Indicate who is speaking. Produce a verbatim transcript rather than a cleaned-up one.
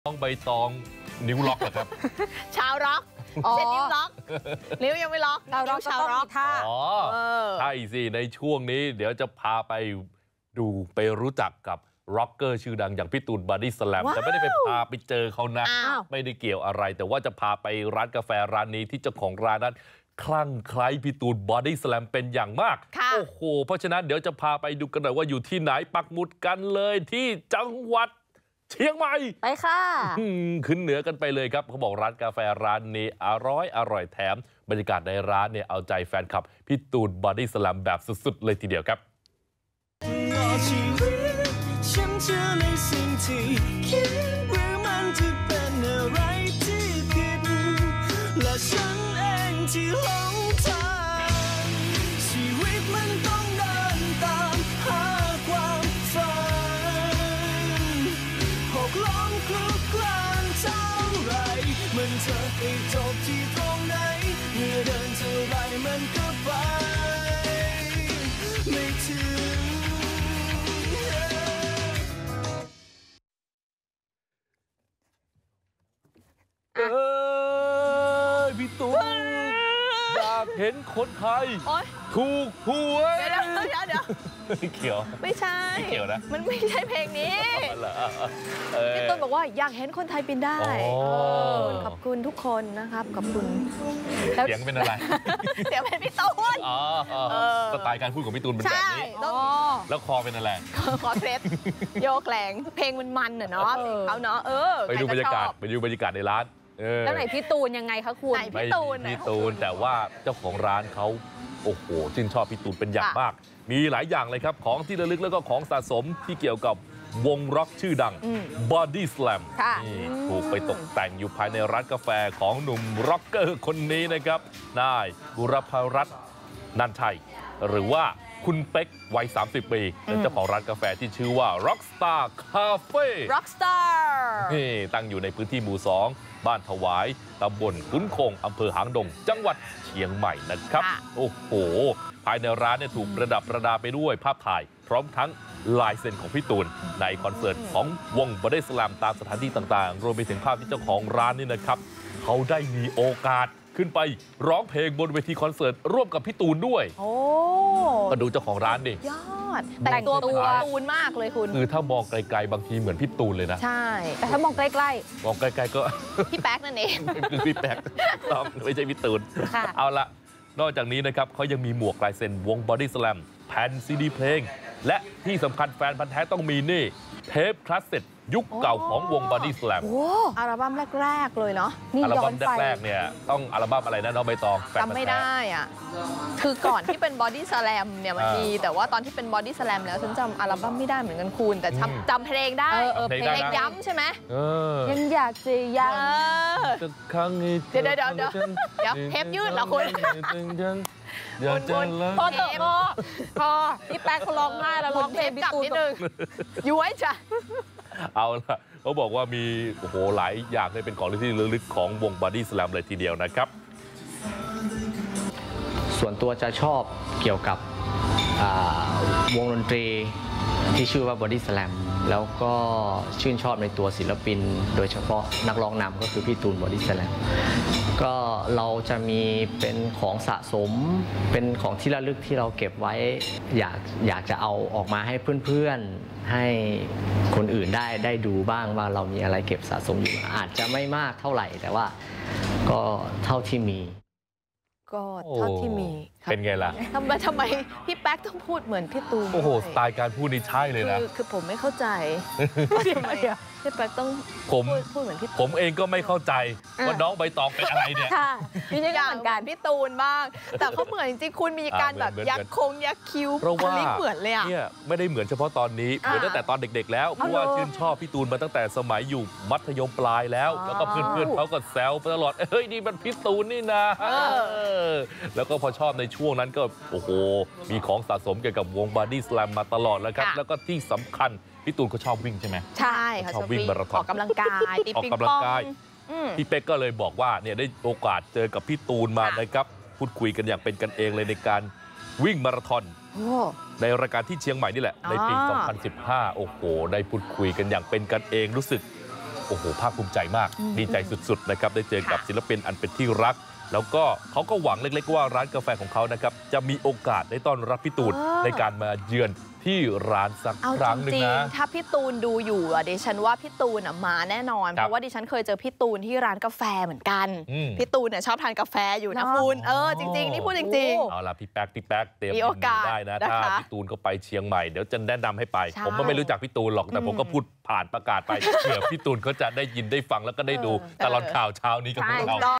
Speaker 1: ต้องใบตองนิ้วล็อกเหรอครับ
Speaker 2: ชาวร็อกเส้นนิ้วล็อกนิ้วยังไม่ล็อกชาวร็อกชาวร็อกค่ะ
Speaker 1: อ๋อใช่สิในช่วงนี้เดี๋ยวจะพาไปดูไปรู้จักกับร็อกเกอร์ชื่อดังอย่างพี่ตูนบอดี้สแลมแต่ไม่ได้ไปพาไปเจอเขานะไม่ได้เกี่ยวอะไรแต่ว่าจะพาไปร้านกาแฟร้านนี้ที่เจ้าของร้านนั้นคลั่งไคล้พี่ตูนบอดี้สแลมเป็นอย่างมากโอ้โหเพราะฉะนั้นเดี๋ยวจะพาไปดูกันหน่อยว่าอยู่ที่ไหนปักหมุดกันเลยที่จังหวัดเชียงใหม่
Speaker 2: ไปค่ะ
Speaker 1: ขึ้นเหนือกันไปเลยครับเขาบอกร้านกาแฟร้านนี้อร่อยอร่อยแถมบรรยากาศในร้านเนี่ยเอาใจแฟนคลับพี่ตูนบอดี้สแลมแบบสุดๆเลยทีเดียวครับฉันเชื่อในสิ่งที่คิดหรือมันจะเป็นอะไรที่ผิดและฉันเองที่หลงทางชีวิตมันต้องเดินตามหาความฝันหกล้มคลุกคลานเท่าไรมันจะไปจบที่ตรงไหนเมื่อเดินเท่าไรมันก็ไปไม่ถึงเออพี่ตูนอยากเห็นคนไทยถูกหวย
Speaker 2: เดี๋ยวเดี๋ยวเดี๋ยว
Speaker 1: เกี่ยว
Speaker 2: ไม่ใช่
Speaker 1: เกี่ยวนะ
Speaker 2: มันไม่ใช่เพลงนี้พี่ตูนบอกว่าอยากเห็นคนไทยบินได้ขอบคุณทุกคนนะครับขอบคุณ
Speaker 1: เสียงเป็นอะไร
Speaker 2: เสียงเป็นพี่ตูน
Speaker 1: สไตล์การพูดของพี่ตูนเป็นแบบนี้แล้วคอเป็นอะไร
Speaker 2: คอเคล็ดโยกแหลงเพลงมันมันเนาะเขาเนาะเออ
Speaker 1: ไปดูบรรยากาศไปดูบรรยากาศในร้าน
Speaker 2: แล้วไหนพี่ตูนยังไงคะคุณ
Speaker 1: ไหนพี่ตูนพี่ตูนแต่ว่าเจ้าของร้านเขาโอ้โหชื่นชอบพี่ตูนเป็นอย่างมากมีหลายอย่างเลยครับของที่ระลึกแล้วก็ของสะสมที่เกี่ยวกับวงร็อกชื่อดัง Body Slam นี่ถูกไปตกแต่งอยู่ภายในร้านกาแฟของหนุ่มร็อกเกอร์คนนี้นะครับนายบุรพรัตน์นันชัยหรือว่าคุณเป๊กวัยสามสิบปีเป็นเจ้าของร้านกาแฟที่ชื่อว่า Rockstar Cafe
Speaker 2: Rockstar
Speaker 1: นี่ตั้งอยู่ในพื้นที่หมู่สองบ้านถวายตำบลขุนคงอำเภอหางดงจังหวัดเชียงใหม่นะครับโอ้โหภายในร้านเนี่ยถูกประดับประดาไปด้วยภาพถ่ายพร้อมทั้งลายเซ็นของพี่ตูนในคอนเสิร์ตของวงบอดี้สแลมตามสถานที่ต่างๆรวมไปถึงภาพที่เจ้าของร้านนี่นะครับเขาได้มีโอกาสขึ้นไปร้องเพลงบนเวทีคอนเสิร์ตร่วมกับพี่ตูนด้วยโอ้มาดูเจ้าของร้านดิ
Speaker 2: ยอดแต่งตัวตัวตูนมากเลยคุณ
Speaker 1: คือถ้ามองไกลๆบางทีเหมือนพี่ตูนเลยนะ
Speaker 2: ใช่แต่ถ้ามองใกล้
Speaker 1: ๆมองไกลๆก็
Speaker 2: พี่แป๊กนั่นเอง
Speaker 1: คือพี่แป๊กต้องไม่ใช่พี่ตูนเอาละนอกจากนี้นะครับเขายังมีหมวกลายเซ็นวงบอดี้สแลมแผ่นซีดีเพลงและที่สำคัญแฟนพันธ์แท้ต้องมีนี่เทปคลาสเซ็ตยุคเก่าของวง Body Slam
Speaker 2: อัลบั้มแรกๆเลยเนาะ
Speaker 1: อัลบั้มแรกๆเนี่ยต้องอัลบั้มอะไรนะน้องใบตอง
Speaker 2: จำไม่ได้อ่ะคือก่อนที่เป็น Body Slam เนี่ยมันมีแต่ว่าตอนที่เป็น Body Slam แล้วฉันจำอัลบั้มไม่ได้เหมือนกันคุณแต่จำเพลงได้เพลงย้ำใช่ไหมยังอยากจะย้ำเดี๋ยวเดี๋ยวเดี๋ยวเดี๋ยวเทปยืดเหรอคุณคุณพอเถอะพอพอพี่แป๊กเขาร้องไห้แล้วร้องเพลงพี่ตูนนิดนึงย้วยจ้ะ
Speaker 1: เอาล่ะเขาบอกว่ามีโอ้โหหลายอย่างเลยเป็นของที่ระลึกของวง Body Slam เลยทีเดียวนะครับ
Speaker 3: ส่วนตัวจะชอบเกี่ยวกับวงดนตรีที่ชื่อว่า Body Slam แล้วก็ชื่นชอบในตัวศิลปินโดยเฉพาะนักร้องนำก็คือพี่ตูน Body Slam ก็เราจะมีเป็นของสะสมเป็นของที่ระลึกที่เราเก็บไว้อยากอยากจะเอาออกมาให้เพื่อนๆให้คนอื่นได้ได้ดูบ้างว่าเรามีอะไรเก็บสะสมอยู่อาจจะไม่มากเท่าไหร่แต่ว่าก็เท่าที่มี
Speaker 2: ก็เท่าที่มี
Speaker 1: เป็นไงล่ะ
Speaker 2: ทำไมทำไมพี่แป๊กต้องพูดเหมือนพี่ตูน
Speaker 1: โอ้โหสไตล์การพูดนี่ใช่เลยนะ
Speaker 2: คือผมไม่เข้าใจทำไมพี่แป๊กต้องพูดเหมือนพี่
Speaker 1: ผมเองก็ไม่เข้าใจว่าน้องใบตองเป็นอะไรเนี่ย
Speaker 2: มีอย่างการพี่ตูนบ้างแต่เขาเหมือนจริงๆคุณมีการแบบยักคงยักคิ้ว
Speaker 1: เพราะว่า
Speaker 2: เหมือนเลยอ่ะ
Speaker 1: เนี่ยไม่ได้เหมือนเฉพาะตอนนี้เหมือนตั้งแต่ตอนเด็กๆแล้วเพราะว่าชื่นชอบพี่ตูนมาตั้งแต่สมัยอยู่มัธยมปลายแล้วแล้วก็เพื่อนๆเขาก็แซวตลอดเฮ้ยนี่มันพี่ตูนนี่นะแล้วก็พอชอบในช่วงนั้นก็โอ้โหมีของสะสมเกี่ยวกับวง Body Slam มาตลอดแล้วครับแล้วก็ที่สำคัญพี่ตูนเขาชอบวิ่งใช่ไหม
Speaker 2: ใช่
Speaker 1: ชอบวิ่งมาราธอน
Speaker 2: ออกกำลังกาย
Speaker 1: ออกกำลังกายพี่เป๊กก็เลยบอกว่าเนี่ยได้โอกาสเจอกับพี่ตูนมานะครับพูดคุยกันอย่างเป็นกันเองเลยในการวิ่งมาราธอนในรายการที่เชียงใหม่นี่แหละในปีสองพันสิบห้าโอ้โหได้พูดคุยกันอย่างเป็นกันเองรู้สึก
Speaker 4: โอ้โหภาคภูมิใจมากดีใจสุดๆนะครับได้เจอกับศิลปินอันเป็นที่รักแล้วก็เขาก็หวังเล็กๆว่าร้านกาแฟของเขานะครับจะมีโอกาสได้ต้อนรับพี่ตูนในการมาเยือนที่ร้านสักครั้งหนึ่งนะ
Speaker 2: ถ้าพี่ตูนดูอยู่อ่ะดิฉันว่าพี่ตูนอ่ะมาแน่นอนเพราะว่าดิฉันเคยเจอพี่ตูนที่ร้านกาแฟเหมือนกันพี่ตูนเนี่ยชอบทานกาแฟอยู่นะคุณเออจริงๆนี่พูดจริงๆ
Speaker 4: เอาล่ะพี่แป๊กพี่แป๊กเตรียมมีโอกาสได้นะถ้าพี่ตูนก็ไปเชียงใหม่เดี๋ยวจะแนะนำให้ไปผมก็ไม่รู้จักพี่ตูนหรอกแต่ผมก็พูดผ่านประกาศไปเผื่อพี่ตูนเขาจะได้ยินได้ฟังแล้วก็ได้ดูตลอดข่าวเช้านี้กับพวกเรา